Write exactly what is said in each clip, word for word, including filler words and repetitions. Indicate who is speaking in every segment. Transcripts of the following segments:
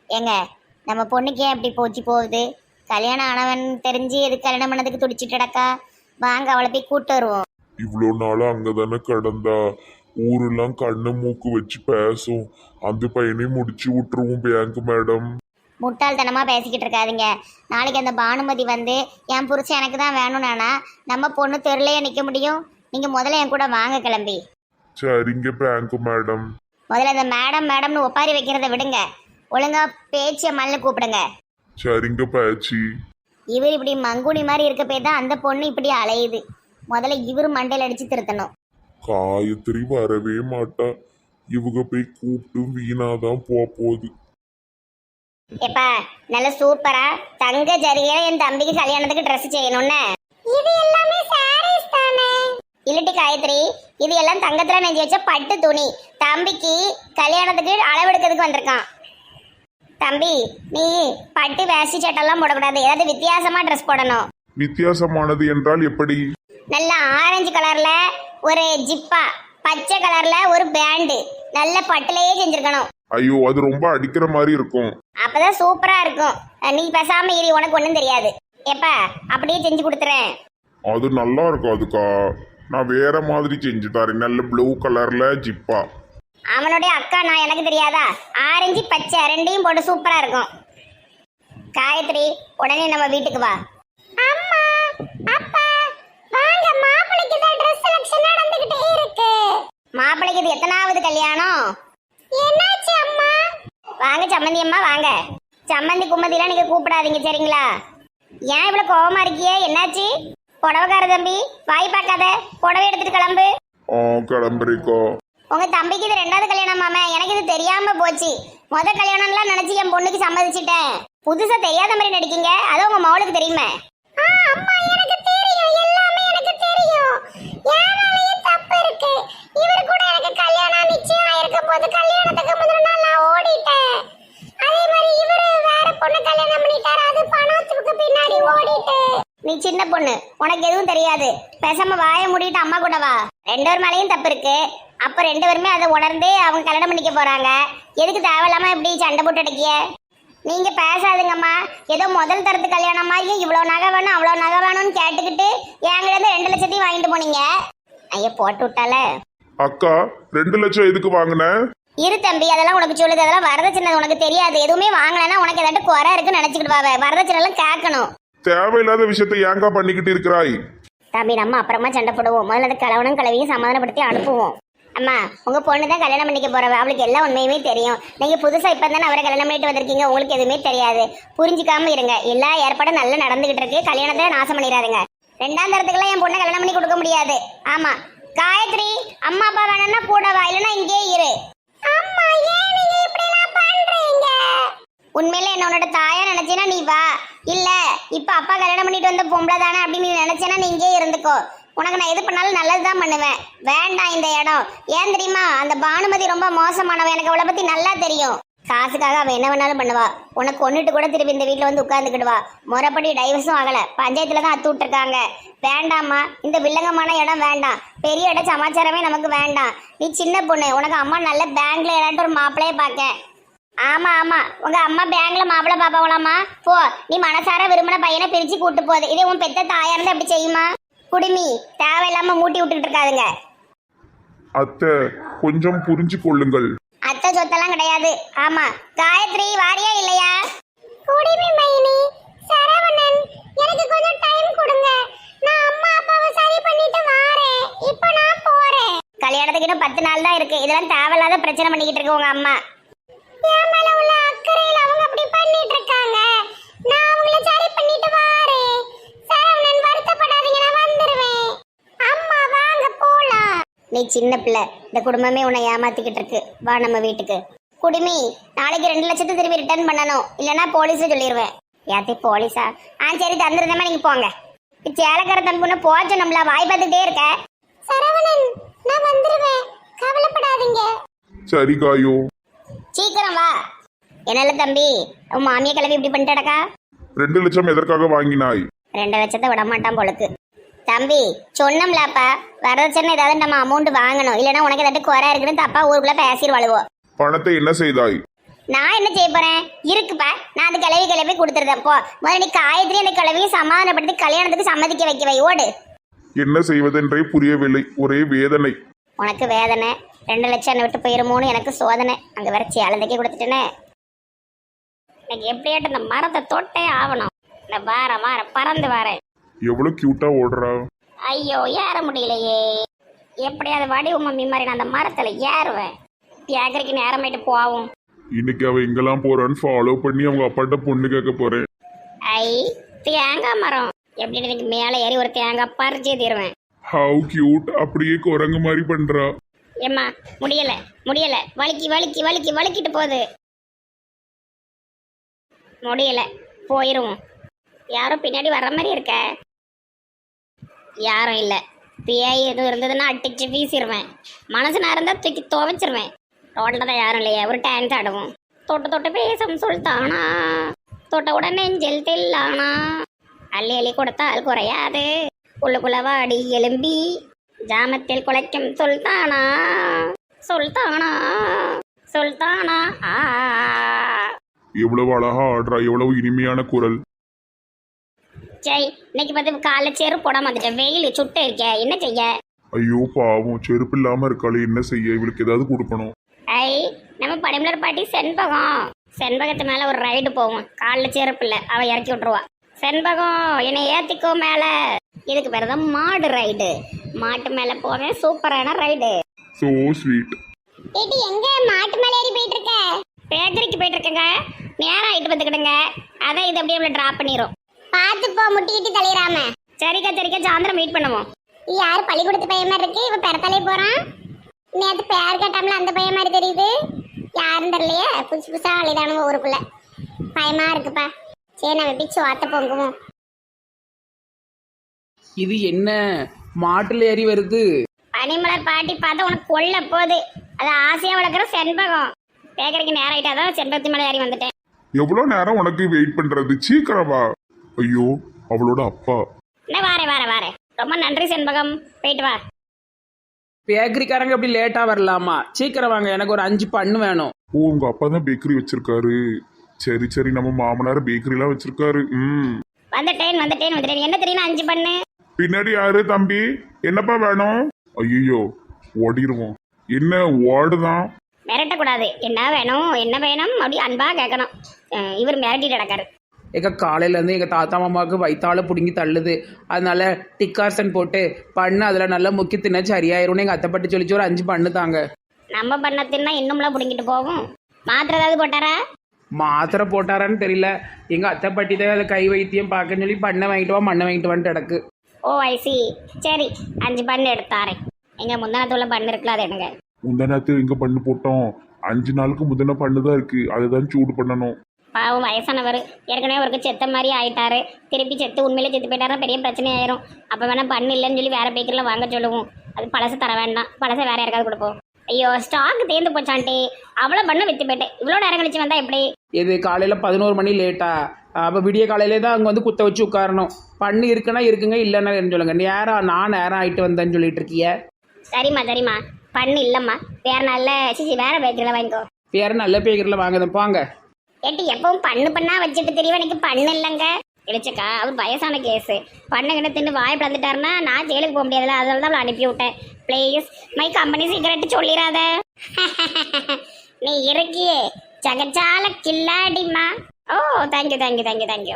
Speaker 1: ஏங்க நம்ம பொண்ணுக்கு ஏன் இப்படி போச்சு போகுது? கல்யாணம் ஆனவன் தெரிஞ்சு எது கல்யாணம் பண்ணதுக்கு துடிச்சிட்டடக்கா. வாங்க அவளை போய் கூட்டு வருவோம்.
Speaker 2: இவ்வளோ நாளா அங்கதானே கடந்தா, ஊரெல்லாம் கண்ணு மூக்கு வச்சு பேசும். அந்த பையனையும் முடிச்சு விட்டுருவோம் பேங்க் மேடம்.
Speaker 1: முட்டாள்தனமா பேசிக்கிட்டு இருக்காதீங்க. நாளைக்கு அந்த பானுமதி வந்து என் புருஷன் எனக்கு தான் வேணும்னானா நம்ம பொண்ணு தெருலையே நிற்க முடியும். நீங்க முதல்ல என் கூட வாங்க கிளம்பி.
Speaker 2: சரிங்க பேங்க் மேடம்.
Speaker 1: முதல்ல இந்த மேடம் மேடம்னு ஒப்பாரி வைக்கிறத விடுங்க. ஒழுங்கா பேச்சிய மல்ல கூப்பிடுங்க.
Speaker 2: சரிங்க பேச்சி.
Speaker 1: இவர் இப்படி மங்குனி மாதிரி இருக்க போய் தான் அந்த பொண்ணு இப்படி அலையுது. முதல்ல இவர் மண்டையில் அடிச்சு திருத்தணும்.
Speaker 2: காயத்ரி வரவே மாட்டா. இவங்க போய் கூப்பிட்டு வீணாதான் போ போகுது.
Speaker 1: எப்பா நல்ல சூப்பரா தங்க ஜரிகையில என் தம்பிக்கு கல்யாணத்துக்கு ட்ரெஸ் செய்யணும்னு. இது எல்லாமே சாரீஸ் தானே? இல்லட்டி காயத்ரி, இது எல்லாம் தங்கத்துல நெஞ்சு வச்ச பட்டு துணி. தம்பிக்கு கல்யாணத்துக்கு அளவெடுக்கிறதுக்கு வந்திருக்கான். தம்பி நீ பட்டு வேஷ்டி சட்டெல்லாம் போடக்கூடாது, ஏதாவது வித்தியாசமா ட்ரெஸ் போடணும்.
Speaker 2: வித்தியாசமானது என்றால் எப்படி?
Speaker 1: நல்ல ஆரஞ்சு கலர்ல ஒரு ஜிப்பா, பச்சை கலர்ல ஒரு பேண்டு, நல்ல பட்டுலயே செஞ்சிருக்கணும்.
Speaker 2: ஐயோ அது ரொம்ப அடிக்கிற மாதிரி இருக்கும்.
Speaker 1: அப்பதான் சூப்பரா இருக்கும். நீ பேசாம இரு, உனக்கு ஒண்ணும் தெரியாது. எப்ப அப்படியே செஞ்சு கொடுத்துறேன்.
Speaker 2: அது நல்லா இருக்கும். அதுக்கா நான் வேற மாதிரி செஞ்சு தரேன். நல்ல ப்ளூ கலர்ல ஜிப்பா.
Speaker 1: அவனுடைய அக்கா நான், எனக்கு தெரியாதா? ஆரஞ்சு பச்சை ரெண்டையும் போட்டு சூப்பரா இருக்கும். காயத்ரி உடனே நம்ம வீட்டுக்கு வா. அம்மா அப்பா வாங்க, மாப்பிளைக்கு தான் Dress செலக்ஷன் நடந்துகிட்டே இருக்கு. மாப்பிளைக்கு இது எத்தனாவது கல்யாணம்? என்னாச்சு அம்மா? வாங்க சம்மந்தி அம்மா வாங்க. சம்மந்தி கும்மதிலாம் நீங்க கூப்பிடாதீங்க சரிங்களா? ஏன் இவ்வளவு கோவமா இருக்கியே? என்னாச்சு? புடவைக்கார தம்பி வாய் பார்க்காத, புடவை எடுத்துட்டு கிளம்பு.
Speaker 2: ஆ கிளம்புறீக்கோ.
Speaker 1: உங்க தம்பிக்கு இது ரெண்டாவது கல்யாணம் மாமா, எனக்கு இது தெரியாம போச்சு. முத கல்யாணம்லாம் நினைச்சு என் பொண்ணுக்கு சம்மதிச்சிட்டேன். புதுசா தெரியாத மாதிரி நடிக்கீங்க, அது உங்க மவுளுக்கு தெரியுமே. அம்மா எனக்கு தெரியும், எல்லாமே எனக்கு தெரியும். யாராலயும் தப்பு இருக்கு. இவர் கூட எனக்கு கல்யாணம் நிச்சயம் ஆயிருக்க போது கல்யாணத்துக்கு முதல் நாள் நான் ஓடிட்டேன். அதே மாதிரி இவரு வேற பொண்ணு கல்யாணம் பண்ணிட்டாரு, அது பணத்துக்கு பின்னாடி ஓடிட்டு. நீ சின்ன பொண்ணு, உனக்கு எதுவும் தெரியாது. பேசாம வாய மூடிட்டு அம்மா கூட வா. ரெண்டு பேர் மேலேயும் தப்பு இருக்கு. அப்ப ரெண்டு பேருமே அதை உணர்ந்து அவங்க கல்யாணம் பண்ணிக்க போறாங்க. எதுக்கு தேவையில்லாம இப்படி சண்டை போட்டு அடிக்கிய? நீங்க பேசாதுங்கம்மா. ஏதோ முதல் தரத்து கல்யாணம் மாதிரி இவ்வளவு நகை வேணும் அவ்வளவு நகை வேணும்னு கேட்டுக்கிட்டு என்கிட்ட இருந்து ரெண்டு லட்சத்தையும் வாங்கிட்டு போனீங்க. ஐயா போட்டு விட்டால.
Speaker 2: அக்கா ரெண்டு லட்சம் எதுக்கு வாங்கின?
Speaker 1: இரு தம்பி, அதெல்லாம் உனக்கு சொல்லுது. அதெல்லாம் வரதட்சணை உனக்கு தெரியாது. எதுவுமே வாங்கலைன்னா உனக்கு ஏதாட்டு குறை இருக்குன்னு நினைச்சுக்கிட்டு வாவே. வரதட்சணை எல்லாம் கேட்கணும்.
Speaker 2: தேவையில்லாத விஷயத்தை ஏங்கா பண்ணிக்கிட்டு இருக்கிறாய்?
Speaker 1: தம்பி நம்ம அப்புறமா சண்டை போடுவோம். முதல்ல அந்த கலவனும் கலவையும் சமாதானப்படுத்தி அனுப்புவோம். அம்மா உங்க பொண்ணு தான் கல்யாணம் பண்ணிக்க போறவ, அவளுக்கு எல்லா உண்மையுமே தெரியும். நீங்க புதுசா இப்ப தானே அவரை கல்யாணம் பண்ணிட்டு வந்திருக்கீங்க, உங்களுக்கு எதுவுமே தெரியாது. புரிஞ்சுக்காம இருங்க. எல்லா ஏற்பாடும் நல்லா நடந்துகிட்டு இருக்கு. கல்யாணத்தை நாசம் பண்ணிடாதுங்க. ரெண்டாம் தரத்துக்குலாம் என் பொண்ணை கல்யாணம் பண்ணி கொடுக்க முடியாது. ஆமா காயத்ரி, அம்மா அப்பா வேணும்னா கூட வா, இல்லைன்னா இங்கே இரு. அம்மா ஏன் நீங்க இப்படி எல்லாம் பண்றீங்க? உண்மையில என்ன உன்னோட தாயா நினைச்சேன்னா நீ வா. இல்ல இப்ப அப்பா கல்யாணம் பண்ணிட்டு வந்த பொம்பளை தானே அப்படின்னு நீ நினைச்சேன்னா நீ இங்கே இருந்துக்கோ. உனக்கு நான் எது பண்ணாலும் நல்லதுதான் பண்ணுவேன். வேண்டாம் இந்த இடம். ஏன் தெரியுமா? அந்த பானுமதி ரொம்ப மோசமானவன். எனக்கு அவளை பத்தி நல்லா தெரியும். காசுக்காக அவன் என்ன வேணாலும் பண்ணுவா. உனக்கு கொண்டுட்டு கூட திருப்பி இந்த வீட்டுல வந்து உட்கார்ந்துக்கிடுவா. முறைப்படி டைவர்ஸும் ஆகல, பஞ்சாயத்துல தான் அத்து விட்டுருக்காங்க. வேண்டாம்மா, இந்த வில்லங்கமான இடம் வேண்டாம். பெரிய இடம் சமாச்சாரமே நமக்கு வேண்டாம். நீ சின்ன பொண்ணு, உனக்கு அம்மா நல்ல பேங்க்ல ஏதாட்டும் ஒரு மாப்பிளையே பார்க்க. ஆமா ஆமா, உங்க அம்மா பேங்க்ல மாப்பிள்ளை பாப்பாங்களாமா? போ, நீ மனசார விரும்பின பையனை பிரிச்சு கூட்டு போகுது. இதே உன் பெத்த தாயா இருந்தா எப்படி செய்யுமா? குடுமி தேவையில்லாம மூட்டி விட்டுட்டு இருக்காதுங்க.
Speaker 2: அத்தை கொஞ்சம் புரிஞ்சு கொள்ளுங்கள்.
Speaker 1: அத்தை சொத்தெல்லாம் கிடையாது. ஆமா காயத்ரி வாரியா இல்லையா? குடிமி மைனி சரவணன், எனக்கு கொஞ்சம் டைம் கொடுங்க. நான் அம்மா அப்பாவை சரி பண்ணிட்டு வாரேன். இப்போ நான் போறேன். கல்யாணத்துக்கு இன்னும் பத்து நாள் தான் இருக்கு. இதெல்லாம் தேவையில்லாத பிரச்சனை பண்ணிக்கிட்டு இருக்கு உங்க அம்மா. என் மேல உள்ள அக்கறையில அவங்க அப்படி பண்ணிட்டு இருக்காங்க. நான் அவங்கள சரி பண்ணிட்டு வாரேன். சரவணன் வருத்தப்படாதீங்க, நான் வந்துருவேன். அம்மா வாங்க போலாம். நீ சின்ன பிள்ளை, இந்த குடும்பமே உன்னை ஏமாத்திக்கிட்டு இருக்கு. வா நம்ம வீட்டுக்கு. குடுமி நாளைக்கு ரெண்டு லட்சத்தை திருப்பி ரிட்டர்ன் பண்ணணும், இல்லைன்னா போலீஸை சொல்லிடுவேன். யாத்தே போலீஸா? ஆ சரி தந்துருந்தேமா, நீங்க போங்க. சேலக்கார தம்பி ஒன்று போச்சு, நம்மள வாய் பார்த்துட்டே இருக்க. சரவணன் நான் வந்துருவேன், கவலைப்படாதீங்க.
Speaker 2: சரி காயோ,
Speaker 1: சீக்கிரம் வா. என்னல தம்பி, உன் மாமியை கிளம்பி இப்படி பண்ணிட்டடக்கா?
Speaker 2: ரெண்டு லட்சம் எதற்காக வாங்கினாய்?
Speaker 1: ரெண்டு லட்சத்தை விட மாட்டான் பொழுக்கு. தம்பி சொன்னோம்லப்பா, வரதட்சணை ஏதாவது நம்ம அமௌண்ட் வாங்கணும், இல்லைன்னா உனக்கு ஏதாட்டு குறை இருக்குன்னு தப்பா ஊருக்குள்ள பேசிடுவாளுவோ.
Speaker 2: பணத்தை என்ன செய்தாய்?
Speaker 1: நான் என்ன செய்ய போறேன் இருக்குப்பா, நான் அந்த கிளவி கிளவி கொடுத்துருந்தேன். போ முதல்ல நீ காயத்ரி அந்த கிளவியும் சமாதானப்படுத்தி கல்யாணத்துக்கு சம்மதிக்க வைக்க வை. ஓடு.
Speaker 2: என்ன செய்வதென்றே புரியவில்லை, ஒரே வேதனை.
Speaker 1: உனக்கு வேதனை, ரெண்டு லட்சம் என்னை விட்டு போயிருமோன்னு எனக்கு சோதனை. அங்கே வர சேலந்தைக்கே கொடுத்துட்டேனே. எனக்கு எப்படியாட்டும் இந்த மரத்தை தொட்டே ஆகணும். இந்த வாரம் வாரம் பறந்து வரேன்.
Speaker 2: எவ்வளவு கியூட்டா ஓடுறா.
Speaker 1: ஐயோ ஏற முடியலையே. எப்படியாவது வடிவு மம்மி மாதிரி நான் அந்த மரத்துல ஏறுவேன். ஏக்கரைக்கு நேரமாயிட்டு போவோம்.
Speaker 2: இன்னைக்கு அவ எங்கெல்லாம் போறான்னு ஃபாலோ பண்ணி அவங்க அப்பாட்ட பொண்ணு கேட்க போறேன்.
Speaker 1: ஐ தேங்காய் மரம் எப்படி இன்னைக்கு மேலே ஏறி ஒரு தேங்காய் பறிச்சே தீருவேன்.
Speaker 2: ஹவ் கியூட், அப்படியே குரங்கு மாதிரி பண்றா.
Speaker 1: ஏம்மா முடியல முடியல, வலிக்கி வலிக்கி வலிக்கி வலிக்கிட்டு போகுது. முடியல, போயிருவோம். யாரும் பின்னாடி வர்ற மாதிரி இருக்க. யாரும் இல்லை. பேய் எதுவும் இருந்ததுன்னா அட்டிச்சு வீசிடுவேன். மனசு நான் இருந்தால் தூக்கி துவைச்சிருவேன். ரோட்டில் தான் யாரும் இல்லையே, ஒரு டான்ஸ் ஆடுவோம். தொட்டு தொட்டு பேசும் சொல்லிட்டானா, தொட்ட உடனே நெஞ்சல் தெல்லானா, அள்ளி அள்ளி கொடுத்தால் குறையாது, உள்ளுக்குள்ள வாடி எலும்பி ஜாமத்தில் குலைக்கும் சொல்தானா சொல்தானா சொல்தானா. ஆ
Speaker 2: எவ்வளவு அழகா ஆடுறா, எவ்வளவு இனிமையான குரல்.
Speaker 1: சரி, இன்னைக்கு பார்த்து காலைல செருப்பு போடாம வந்துட்டேன். வெயில் சுட்டு இருக்க, என்ன செய்ய?
Speaker 2: ஐயோ பாவம், செருப்பு இல்லாம இருக்காளே, என்ன செய்ய? இவளுக்கு ஏதாவது கொடுக்கணும்.
Speaker 1: ஐ நம்ம படைமலர் பாட்டி செண்பகம். செண்பகத்து மேல ஒரு ரைடு போவோம். காலில் செருப்பு இல்லை, அவ இறக்கி விட்டுருவா. செண்பகம் என்னை ஏத்திக்கோ மேல. இதுக்கு பேர் தான் மாடு ரைடு. மாட்டு மேல போவேன், சூப்பரான ரைடு.
Speaker 2: So sweet.
Speaker 1: ஏடி எங்க மாட்டு மேல ஏறி போயிட்டு இருக்க? பேக்கரிக்கு போயிட்டு இருக்கங்க. நேரம் ஆயிட்டு வந்துக்கிடுங்க. அதான் இது அப்படியே டிராப் பண்ணிரும். பார்த்து போ, முட்டிக்கிட்டு தள்ளிடாம. சரிக்கா சரிக்கா, சாயந்தரம் மீட் பண்ணுவோம். யாரு பள்ளிக்கூடத்து பையன் மாதிரி இருக்கு, இவ பெறத்தலை போறான். நேற்று பேர் கேட்டாமல அந்த பையன் மாதிரி தெரியுது. யாரும் தெரியலையே, புதுசு புதுசா அழிதானுங்க ஊருக்குள்ள. பயமா இருக்குப்பா. சரி நம்ம பிச்சு வாத்த பொங்குவோம்.
Speaker 3: இது என்ன மாட்டுல ஏறி வருது?
Speaker 1: பனிமலர் பாட்டி பார்த்தா உனக்கு கொல்ல போகுது. அது ஆசையா வளர்க்குற செண்பகம். பேக்கரிக்கு நேரம் ஆயிட்டாதான் செண்பகத்து மேலே ஏறி வந்துட்டேன்.
Speaker 2: எவ்வளவு நேரம் உனக்கு வெயிட் பண்றது? சீக்கிரம் வா. ஐயோ, அவளோட அப்பா.
Speaker 1: என்ன வாரே வாரே வாரே. ரொம்ப நன்றி செண்பகம், போயிட்டு வா.
Speaker 3: பேக்கரிக்காரங்க அப்படி லேட்டா வரலாமா? சீக்கிரம் வாங்க, எனக்கு ஒரு அஞ்சு பண்ணு வேணும்.
Speaker 2: ஓ, உங்க அப்பா தான் பேக்கரி வச்சிருக்காரு. சரி சரி, நம்ம மாமனார் பேக்கரி எல்லாம் வச்சிருக்காரு. ம்
Speaker 1: வந்துட்டேன் வந்துட்டேன் வந்துட்டேன். என்ன தெரியும், அஞ்சு பண்ணு.
Speaker 2: பின்னாடி யாரு தம்பி? என்னப்பா வேணும்? ஐயோ, ஓடிடுவோம். என்ன ஓடுதான்?
Speaker 1: மிரட்டக்கூடாது. என்ன வேணும் என்ன வேணும் அப்படி அன்பா கேட்கணும். அஹ் இவர் மிரட்டிட்டு கிடக்காரு.
Speaker 3: எங்க காலையிலேருந்து எங்கள் தாத்தா மாமாவுக்கு வயிற்றால பிடுங்கி தள்ளுது. அதனால டிக்கார்சன் போட்டு பண்ணு அதில் நல்லா முக்கி தின்ன சரியாயிரும்னு எங்கள் அத்தைப்பட்டு சொல்லிச்சு. ஒரு அஞ்சு பண்ணு தாங்க.
Speaker 1: நம்ம பண்ண தின்னா இன்னும்லாம் பிடிங்கிட்டு போகும். மாத்திரை ஏதாவது போட்டாரா?
Speaker 3: மாத்திரை போட்டாரான்னு தெரியல. எங்கள் அத்தைப்பட்டி தான் அதை கை வைத்தியம் பார்க்கன்னு சொல்லி பண்ணை வாங்கிட்டு வா மண்ணை வாங்கிட்டு வான்னு கிடக்கு.
Speaker 1: Oh I see. சரி, அஞ்சு பண்ணு எடுத்தாரேன். எங்க முந்தானத்துள்ள பண்ணு இருக்குல்ல, அது எடுங்க.
Speaker 2: முந்தநாத்து எங்க பண்ணு போட்டோம்? அஞ்சு நாளுக்கு முந்தின பண்ணுதான் இருக்கு, அதுதான் சூடு பண்ணணும்.
Speaker 1: பாவம் வயசானவர், ஏற்கனவே அவருக்கு செத்த மாதிரி ஆயிட்டாரு. திருப்பி செத்து உண்மையிலே செத்து போயிட்டாருன்னா பெரிய பிரச்சனை ஆயிரும். அப்போ வேணா பண்ணு இல்லைன்னு சொல்லி வேற பேக்கரியில் வாங்க சொல்லுவோம். அது பழசு தர வேண்டாம், பழசை வேற யாருக்காவது கொடுப்போம். ஐயோ, ஸ்டாக் தேர்ந்து போச்சான்ட்டி. அவ்வளோ பண்ணு வித்து போயிட்டேன். இவ்வளோ நேரம் கழிச்சு வந்தா எப்படி?
Speaker 3: இது காலையில் பதினோரு மணி லேட்டா? அப்போ விடிய காலையிலே தான் அங்கே வந்து குத்த வச்சு உட்காரணும். பண்ணு இருக்குன்னா இருக்குங்க, இல்லைன்னா என்ன சொல்லுங்க. நேரம் நான் நேரம் ஆகிட்டு வந்தேன்னு சொல்லிட்டு இருக்கிய.
Speaker 1: சரிம்மா சரிம்மா, பண்ணு இல்லைம்மா, வேற நல்ல சிசி வேற பேக்கரியில் வாங்கிக்கோ.
Speaker 3: வேற நல்ல பேக்கரியில் வாங்குதான் போங்க.
Speaker 1: ஏட்டி எப்பவும் பண்ணு பண்ணா வச்சுட்டு தெரியும், எனக்கு பண்ணு இல்லைங்க. இடிச்சக்கா, அவர் வயசான கேஸு. பண்ணு கிட்ட தின்னு வாய் பிளந்துட்டாருன்னா நான் ஜெயிலுக்கு போக முடியாதுல்ல, அதனால தான் அவளை அனுப்பி விட்டேன். ப்ளீஸ் மை கம்பெனி சீக்கிரட்டு சொல்லிடாத. நீ இருக்கியே ஜகஜால கில்லாடிமா. Oh thank you thank you thank you thank you.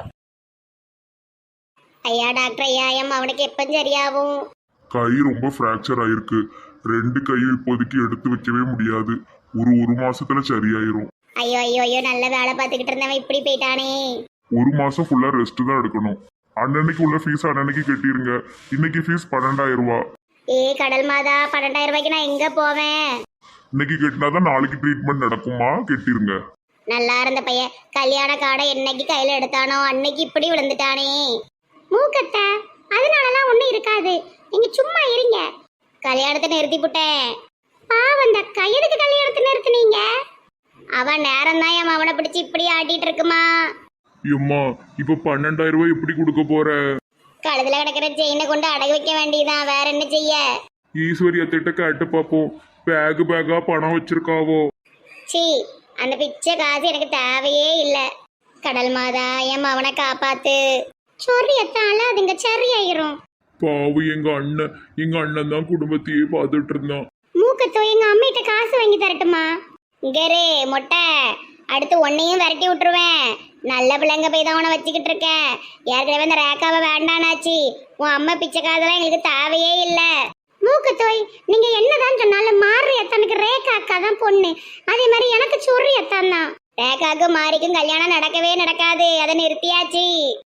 Speaker 1: ஐயா டாக்டர் ஐயா, எம் அவனுக்கு எப்போ சரியாகும்?
Speaker 2: கை ரொம்ப ஃப்ராக்சர் ஆயிருக்கு. ரெண்டு கையும் இப்போதைக்கு எடுத்து வைக்கவே முடியாது. ஒரு ஒரு மாசத்துல சரியாயிரும்.
Speaker 1: ஐயோ ஐயோ ஐயோ, நல்ல வேலை பார்த்துக்கிட்டு இருந்தவன் இப்படி போயிட்டானே.
Speaker 2: ஒரு மாசம் ஃபுல்லா ரெஸ்ட் தான் எடுக்கணும். அன்னன்னைக்கு உள்ள ஃபீஸ் அன்னன்னைக்கு கட்டிருங்க. இன்னைக்கு ஃபீஸ் பன்னெண்டாயிரம் ரூபா.
Speaker 1: ஏ கடல் மாதா, பன்னெண்டாயிரம் ரூபாய்க்கு நான் எங்க போவேன்?
Speaker 2: இன்னைக்கு கட்டினாதான் நாளைக்கு ட்ரீட்மெண்ட் நடக்குமா, கட்டிருங்க.
Speaker 1: நல்லா இருந்த பையன் கல்யாண காடை என்னைக்கு கையில எடுத்தானோ அன்னைக்கு இப்படி விழுந்துட்டானே. மூக்கத்த அதனாலலாம் ஒண்ணும் இருக்காது, நீங்க சும்மா இருங்க. கல்யாணத்தை நிறுத்தி புட்டேன். பாவம், அந்த கையெடுக்கு கல்யாணத்தை நிறுத்தினீங்க. அவன் நேரம் தான் என் அவனை பிடிச்சி இப்படி ஆட்டிட்டு இருக்குமா.
Speaker 2: எம்மா, இப்ப பன்னெண்டாயிரம் ரூபாய் எப்படி கொடுக்க போற?
Speaker 1: கழுத்துல கிடக்கிற செயினை கொண்டு அடகு வைக்க வேண்டியதான், வேற என்ன செய்ய?
Speaker 2: ஈஸ்வரி அத்திட்ட கேட்டு பாப்போம். பேக் பேக்கா பணம் வச்சிருக்காவோ?
Speaker 1: சி அந்த பிச்சை காசு எனக்கு தேவையே இல்லை. கடல் மாதா என் அவனை காப்பாத்து. சொரியத்தால அதுங்க சரியாயிரும்.
Speaker 2: பாவு எங்க அண்ணன் எங்க அண்ணன் தான் குடும்பத்தையே பார்த்துட்டு இருந்தான்.
Speaker 1: மூக்கத்தோ எங்க அம்மிட்ட காசு வாங்கி தரட்டுமா? இங்கரே மொட்டை, அடுத்து உன்னையும் விரட்டி விட்டுருவேன். நல்ல பிள்ளைங்க போய் தான் உன வச்சுக்கிட்டு இருக்கேன். ஏற்கனவே இந்த ரேக்காவை வேண்டானாச்சு. உன் அம்மா பிச்சை காதெல்லாம் எங்களுக்கு தேவையே இல்லை. மூக்கத்தோய், நீங்க என்னதான் சொன்னாலும் மாறி அத்தனுக்கு ரேகா அக்கா தான் பொண்ணு. அதே மாதிரி எனக்கு சொறி அத்தான் தான். ரேகாக்கும் மாரிக்கும் கல்யாணம் நடக்கவே நடக்காது. அதை நிறுத்தியாச்சு.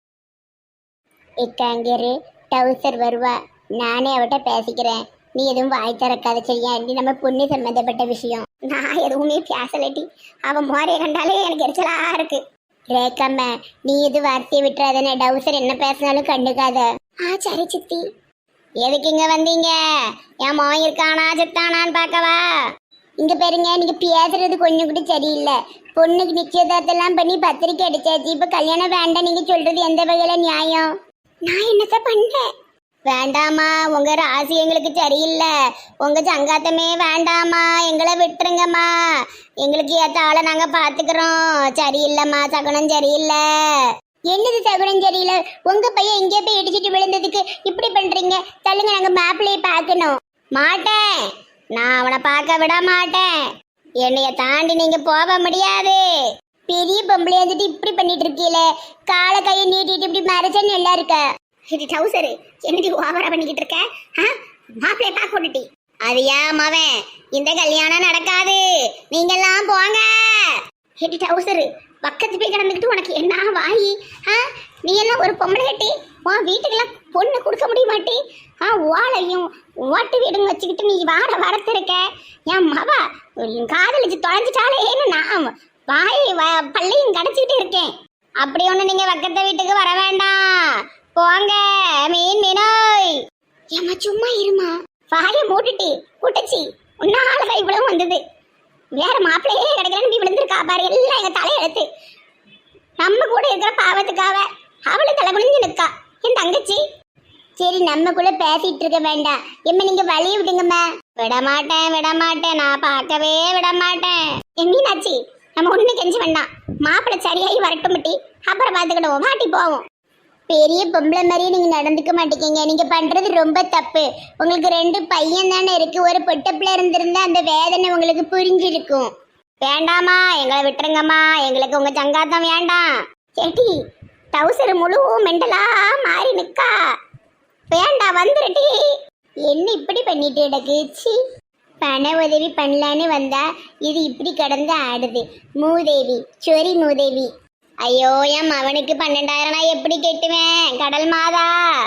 Speaker 1: இக்காங்கரு டவுசர் வருவா, நானே அவட்ட பேசிக்கிறேன். நீ எதுவும் வாய் திறக்காத சரியா? நம்ம பொண்ணு சம்மந்தப்பட்ட விஷயம். நான் எதுவுமே பேசலட்டி. அவன் மோரைய கண்டாலே எனக்கு எரிச்சலா இருக்கு. ரேக்கம்மா, நீ எது வார்த்தையை விட்டுறாதானே. டவுசர் என்ன பேசினாலும் கண்டுக்காத. ஆ சரி சித்தி. எதுக்கு இங்க வந்தீங்க? என் மோன் இருக்கானா செத்தானான்னு பார்க்கவா? இங்க பாருங்க, நீங்க பேசுறது கொஞ்சம் கூட சரியில்லை. பொண்ணுக்கு நிச்சயதார்த்தெல்லாம் பண்ணி பத்திரிக்கை அடிச்சாச்சு. இப்ப கல்யாணம் வேண்டாம் நீங்க சொல்றது எந்த வகையில நியாயம்? நான் என்னத்த பண்ணேன்? வேண்டாமா, உங்க ராசி எங்களுக்கு சரியில்லை. உங்க சங்காத்தமே வேண்டாமா, எங்களை விட்டுருங்கம்மா. எங்களுக்கு ஏத்த ஆளை நாங்க பாத்துக்கிறோம். சரியில்லைம்மா, சகுனம் சரியில்லை. என்னது சகுனம் சரியில்லை? உங்க பையன் எங்கே போய் இடிச்சிட்டு விழுந்ததுக்கு இப்படி பண்றீங்க? தள்ளுங்க, நாங்க மாப்பிள்ளையை பார்க்கணும். மாட்டேன், நான் அவனை பார்க்க விட மாட்டேன். என்னைய தாண்டி நீங்க போக முடியாது. பெரிய பொம்பளை வந்துட்டு இப்படி பண்ணிட்டு இருக்கீல, காலை கையை நீட்டிட்டு இப்படி மறைச்சன்னு எல்லாம் இருக்க. இது டவுசரு என்னடி ஓவரா பண்ணிக்கிட்டு இருக்க? மாப்பிள்ளைய பார்க்க விட்டுட்டி. அது ஏன் மவன், இந்த கல்யாணம் நடக்காது. நீங்க எல்லாம் போங்க. ஹெட்டி டவுசரு பக்கத்து போய் கிடந்துக்கிட்டு உனக்கு என்ன வாயி? ஆ, நீ எல்லாம் ஒரு பொம்பளை கட்டி உன் வீட்டுக்கெல்லாம் பொண்ணு கொடுக்க முடிய மாட்டி? ஆ, ஓலையும் ஓட்டு வீடுங்க வச்சுக்கிட்டு நீ வாட வரத்திருக்க. என் மவ காதலிச்சு தொலைஞ்சிட்டாலேன்னு நான் வாய் பள்ளியும் கடைச்சிக்கிட்டு இருக்கேன். அப்படி ஒண்ணு நீங்க பக்கத்து வீட்டுக்கு வர வேண்டாம். போங்க மீன் மீனோய். ஏமா சும்மா இருமா, வாயை மூட்டுட்டி கூட்டச்சி. உன்னாலதான் இவ்வளவு வந்தது. வேற மாப்பிள்ளையே கிடைக்கலன்னு நீ விழுந்திருக்கா பாரு. எல்லாம் எங்க தலையெழுத்து. நம்ம கூட இருக்கிற பாவத்துக்காக அவளு தலை குனிஞ்சு நிற்கா என் தங்கச்சி. சரி, நம்மக்குள்ள பேசிட்டு இருக்க வேண்டாம். எம்ம நீங்க வழிய விடுங்கம்மா. விட மாட்டேன் விட மாட்டேன், நான் பார்க்கவே விட மாட்டேன். என் மீனாச்சி, நம்ம ஒண்ணு கெஞ்ச வேண்டாம். மாப்பிள்ளை சரியாகி வரட்டும் மட்டி, அப்புறம் பார்த்துக்கிடுவோம். வாட்டி போவோம். பெரிய பொம்பளை மாதிரியே நீங்க நடந்துக்க மாட்டேங்க. நீங்க பண்றது ரொம்ப தப்பு. உங்களுக்கு ரெண்டு பையன் தானே இருக்கு. ஒரு பொட்டை பிள்ளை இருந்திருந்தா அந்த வேதனை உங்களுக்கு புரிஞ்சிருக்கும். வேண்டாமா, எங்களை விட்டுருங்கம்மா. எங்களுக்கு உங்க சங்காத்தம் வேண்டாம். சேட்டி டவுசர் முழு மெண்டலா மாறி நிக்கா. வேண்டாம், வந்துருட்டி. என்ன இப்படி பண்ணிட்டு எனக்கு? சி, பண உதவி பண்ணலான்னு வந்தா இது இப்படி கடந்து ஆடுது. மூதேவி, சொரி மூதேவி. ஐயோ, என் அவனுக்கு பன்னெண்டாயிரம் நான் எப்படி கெட்டுவேன்? கடல் மாதா,